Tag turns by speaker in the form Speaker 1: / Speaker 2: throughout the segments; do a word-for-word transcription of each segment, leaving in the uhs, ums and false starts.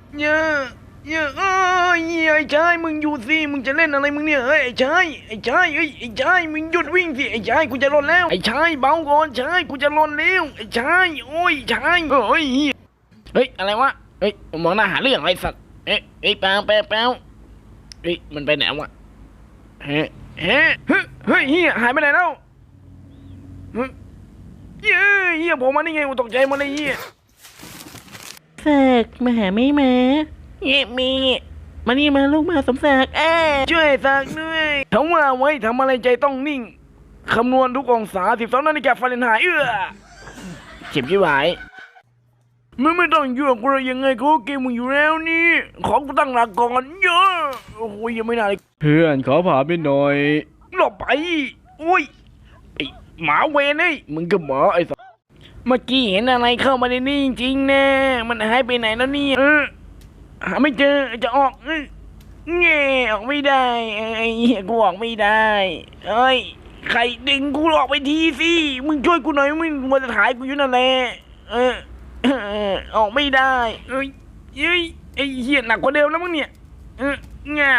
Speaker 1: เยอะเยอะเอ้ยไอ้ชายมึงหยุดสิมึงจะเล่นอะไรมึงเนี่ยเฮ้ยไอ้ชายไอ้ชายเฮ้ยไอ้ชายมึงหยุดวิ่งสิไอ้ชายกูจะหล่นแล้วไอ้ชายเบาก่อนชายกูจะหล่นแล้วไอ้ชายโอ้ยชายเฮ้ยเฮ้ยอะไรวะเฮ้ยมองหน้าหาเรื่องอะไรสัตว์เอ๊ะเฮ้ยแป๊วแป๊วแป๊วเฮ้ยมันไปไหนวะเฮ้เฮ้เฮ้ยเฮ้ยเฮียหายไปไหนแล้วเฮ้ยเฮียเฮียผมมาได้ไงกูตกใจหมดเลยเฮีย
Speaker 2: แสกมาหาไม่มาเอ๊ะมีมานี่มาลูกมาสมศักดิ์เอ้ย
Speaker 1: ช่วยสักด้วยทำว่าไว้ทำอะไรใจต้องนิ่ง คำนวณทุกองศาสิบสองนาฬิกาฟาเรนไฮต์เอื้อเจ็บยี่หวายมึงไม่ต้องยั่วกูเลยยังไงกูเกมมึงอยู่แล้วนี่ ของกูตั้งหลักก่อนเยอะโอ้ยยังไม่นานเลย
Speaker 3: เพื่อนขอผ่าไปหน่อย
Speaker 1: หลบไปโอ้ยไอหมาเวรไอ้ยมึงก็หมาไอ้สัสเมื่อกี้เห็นอะไรเข้ามาในนี่จริงๆนะมันหายไปไหนแล้วเนี่ยเออหาไม่เจอจะออกเออแง่ออกไม่ได้ไอ้เหี้ยกูออกไม่ได้เอ้ยใครดึงกูออกไปทีสิมึงช่วยกูหน่อยมึงมัวแต่ถ่ายกูอยู่นั่นแหละเออเออออกไม่ได้เอ้ยเอ้ยไอ้เหี้ยหนักกว่าเดิมแล้วมั้งเนี่ยเออแง่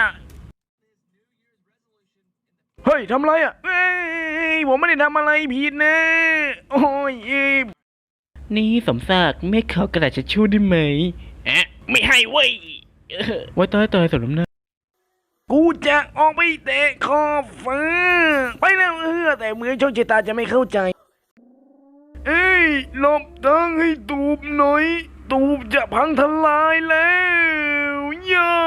Speaker 1: เฮ้ยทำอะไรอ่ะเอ้ยผมไม่ได้ทำอะไรผิดนะโอ้ยเอ้ย
Speaker 2: นี่สมศักดิ์ไม่ขอกระดาษทิชชู่ได้ไหม
Speaker 1: แอะไม่ให้เว้ยเออ
Speaker 2: ไว้ตายตายสมน้ำหน้า
Speaker 1: กูจะออกไปเตะขอบฟ้าไปแล้วเออแต่เหมือนโชคชะตาจะไม่เข้าใจ เอ้ยหลบทางให้ตูบหน่อย ตูบจะพังทลายแล้วย่า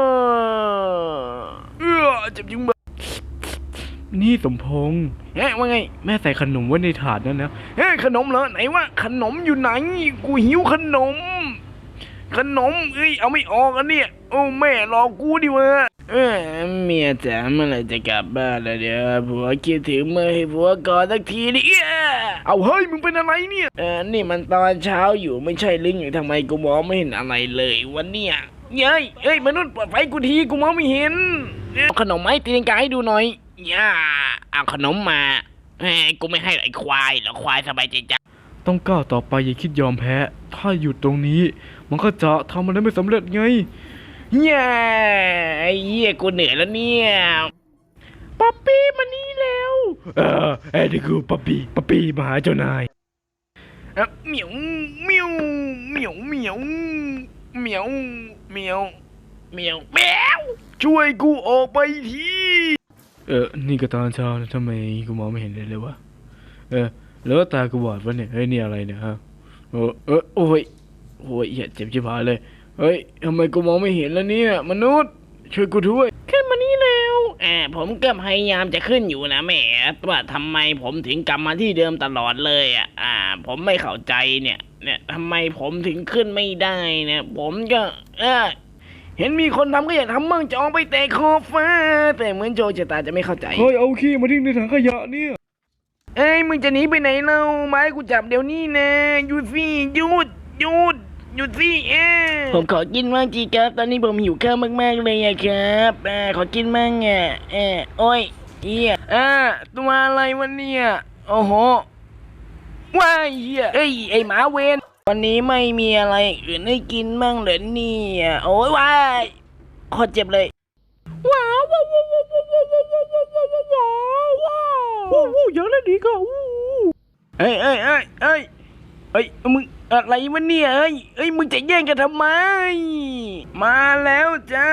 Speaker 1: เออเจ็บจริงบ้า
Speaker 2: นี่สมพงษ์
Speaker 1: เฮ้ยว่าไง
Speaker 2: แม่ใส่ขนมไว้ในถาดนั่นนะ
Speaker 1: เฮ้ยขนมเหรอไหนวะขนมอยู่ไหน กูหิวขนม ขนมเอ้ยเอาไม่ออกอันเนี่ยโอ้แม่รอกูดิวะเออเมียจ๋าเมื่อไหร่จะกลับบ้านแล้วเดี๋ยวผัวคิดถึงเมื่อให้ผัวกอดสักทีดิเอ้ยเอาเฮ้ยมึงเป็นอะไรเนี่ยเออนี่มันตอนเช้าอยู่ไม่ใช่ลึงอยู่ทำไมกูมองไม่เห็นอะไรเลยวันเนี้ยเย้ยเอ้ยมนุษย์เปิดไฟกูทีกูมองไม่เห็นเอาขนมไหมตีนกาให้ดูหน่อยย่าเอาขนมมาเฮ้ยกูไม่ให้ไอ้ควายหรอกควายสบายใจจ้ะ
Speaker 3: ต้องก้าวต่อไปอย่าคิดยอมแพ้ ถ้าหยุดตรงนี้ มันก็จะทำอะไรไม่สำเร็จไง
Speaker 1: เย้ไอ้เหี้ยกูเหนื่อยแล้วเนี่ยป๊อปปี้มานี่แล้ว
Speaker 3: เออไอ้นี่คือปั๊ปปี้ปั๊ปปี้มาหาเจ้านาย
Speaker 1: เอ่อเหมียวเหมียวเหมียวเหมียวเหมียวเหมียวเหมียวแมวช่วยกูออกไปที
Speaker 3: เออ นี่ก็ตอนเช้านะทำไมกูมองไม่เห็นเลยเลยวะ เออ แล้วตากูบอดวะเนี่ย เฮ้ยนี่อะไรเนี่ยฮะเออเออโอ้ยโอ้ยเหี้ยเจ็บชิบหายเลย เฮ้ยทำไมกูมองไม่เห็นแล้วเนี่ยมนุษย์ ช่วยกูด้วย
Speaker 1: ขึ้นมานี่แล้วอ่าผมก็พยายามจะขึ้นอยู่นะแหมว่าทำไมผมถึงกลับมาที่เดิมตลอดเลยอ่ะอ่า ผมไม่เข้าใจเนี่ยเนี่ยทำไมผมถึงขึ้นไม่ได้เนี่ยผมก็เออเห็นมีคนทำก็อยากทำมั่งจะออกไปเตะขอบฟ้าแต่เหมือนโจชะตาจะไม่เข้าใจ
Speaker 3: เฮ้ยเอาขี้มาทิ้งในถังขยะเนี่ย
Speaker 1: เอ้ยมึงจะหนีไปไหนเล่าไม้กูจับเดี๋ยวนี้นะหยุดสิหยุดหยุดหยุดสิเอ้ผมขอกินมั่งจีครับตอนนี้ผมหิวข้าวมากๆเลยอะครับอ่าขอกินมั่งอ่ะเออโอ้ยเฮียอ่าตัวอะไรวะเนี่ยโอ้โหว้ายเฮียเอ้ยไอหมาเวนวันนี้ไม่มีอะไรอื่นให้กินมั่งเหรอเนี่ยโอ้ยว้ายโคตรเจ็บเลยว้าวว้าวว้าวว้าวว้าวว้าวว้าวว้าวว้าวว้าวว้าวอย่างนั้นดีก็วู้เอ้ยเอ้ยเอ้ยเอ้ยเอ้ยมึงอะไรวะเนี่ยเอ้ยเอ้ยมึงจะแย่งกันทำไมมาแล้วจ้า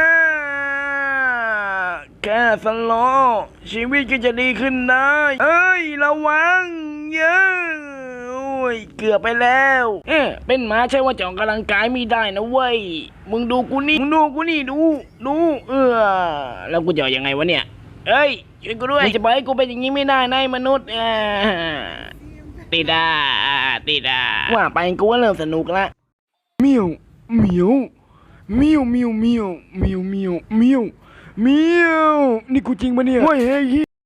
Speaker 1: แค่สโลว์ชีวิตก็จะดีขึ้นได้เอ้ยระวังเยอะโอ้ยเกือบไปแล้วเอ๊ะเป็นหมาใช่ว่าจะออกกำลังกายไม่ได้นะเว้ยมึงดูกูนี่มึงดูกูนี่ดูดูเออแล้วกูจะยังไงวะเนี่ยเอ้ยช่วยกูด้วยมึงจะปล่อยให้กูเป็นอย่างนี้ไม่ได้นายมนุษย์อ่าติดาติดาว่าไปกูว่าเริ่มสนุกละ
Speaker 3: เมียวเหมียวเมียวเมียวเมียวเมียวเมียวเมียวเมียวนี่กูจริงปะเนี่ยเฮ้ยเฮ้ย